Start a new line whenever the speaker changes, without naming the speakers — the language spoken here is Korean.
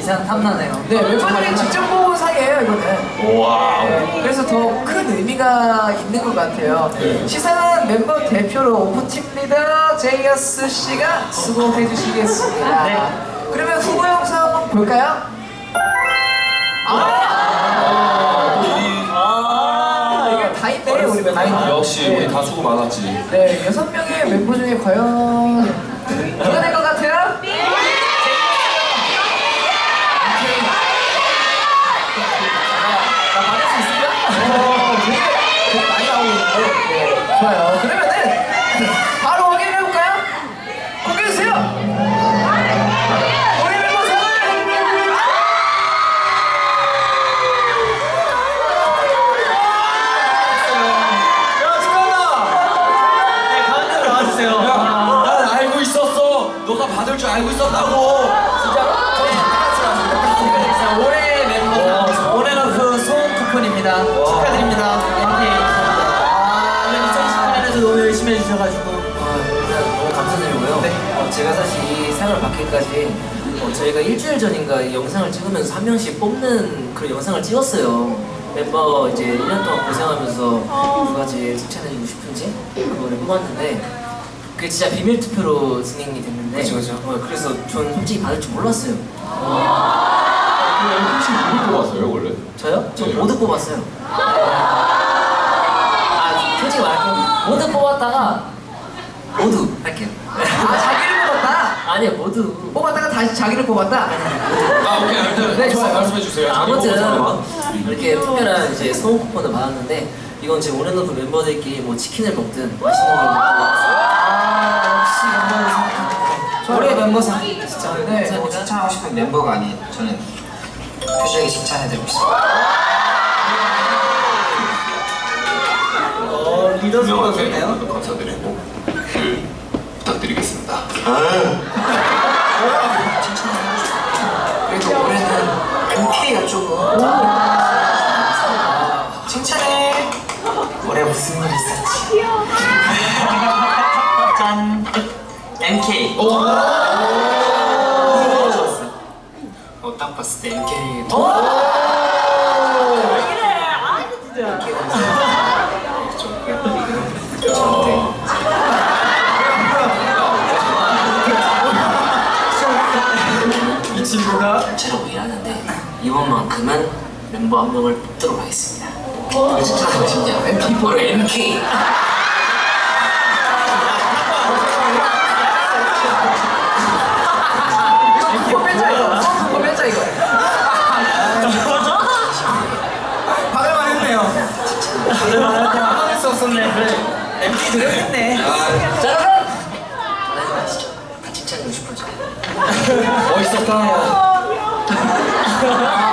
기사 탐나네요.
네, 멤버들이 직접 뽑은 상이에요, 이거는.
와.
네, 그래서 더 큰 의미가 있는 것 같아요. 시상은 member 대표로 오프팀 리더 제이어스 씨가 수고해 주시겠습니다.
네.
그러면 후보 영상 한번 볼까요? 이게 다 있네, 우리 멤버.
역시 우리 다 수고 많았지.
네, 6명의 멤버 중에 과연 누가 될 것 같아요? 나 받을 수 있을까? 되게 많이 나오고 있는데. 네, 좋아요. 그러면은 바로 확인해볼까요? 공개해주세요! 우리 멤버 상을!
야 축하한다.
네, 가운데로 나와주세요.
야, 난 알고 있었어. 너가 받을 줄 알고 있었다고.
자, 올해 멤버 올해너프 소원 쿠폰입니다. 축하드립니다. MK. 2019년에도 너무 열심히 해주셔가지고
너무 감사드리고요. 제가 사실 이 상을 받기까지 저희가 일주일 전인가 이 영상을 찍으면서 한 명씩 뽑는 그런 영상을 찍었어요. 멤버 이제 1년 동안 고생하면서 누가 제일 칭찬해주고 싶은지 그거를 뽑았는데 그게 진짜 비밀 투표로 진행이 됐는데
그쵸.
그래서 전 솔직히 받을 줄 몰랐어요.
혹시 누굴 뽑았어요 원래?
저요? 저 모두 뽑았어요. 솔직히 말할게요. 모두 뽑았다가 모두 할게요.
자기를 뽑았다?
아니요, 모두.
뽑았다가 다시 자기를 뽑았다?
아 오케이 아무튼
네, 좋아요.
말씀해 주세요.
아무튼 이렇게 특별한 이제 소원 쿠폰을 받았는데 이건 제 온앤오프 멤버들끼리 뭐 치킨을 먹든 맛있는 걸 먹든
역시 멤버상.
올해 멤버상
진짜.
뭐
네.
칭찬하고 싶은 멤버가 아닌 저는 표정이 칭찬해드리고 싶습니다. 리더 소가 좋네요.
감사드리고 부탁드리겠습니다.
그래도 올해는 MK가 조금
칭찬해. 올해 무슨 일 있었지? 짠. MK. 딱 봤을 때 MK.
이 친구가
전체로 일하는데 이번만큼은 멤버 한 명을 뽑도록 하겠습니다. 이거 진짜 멋있냐?
MP
바로 MK.
이거 뺀자 이거. 이거 뺀자 이거.
받을만 했네요. 받을 수 없었네. 그래. MK 드렸겠네.
자 여러분! 다 칭찬해주고 싶어져.
멋있었다.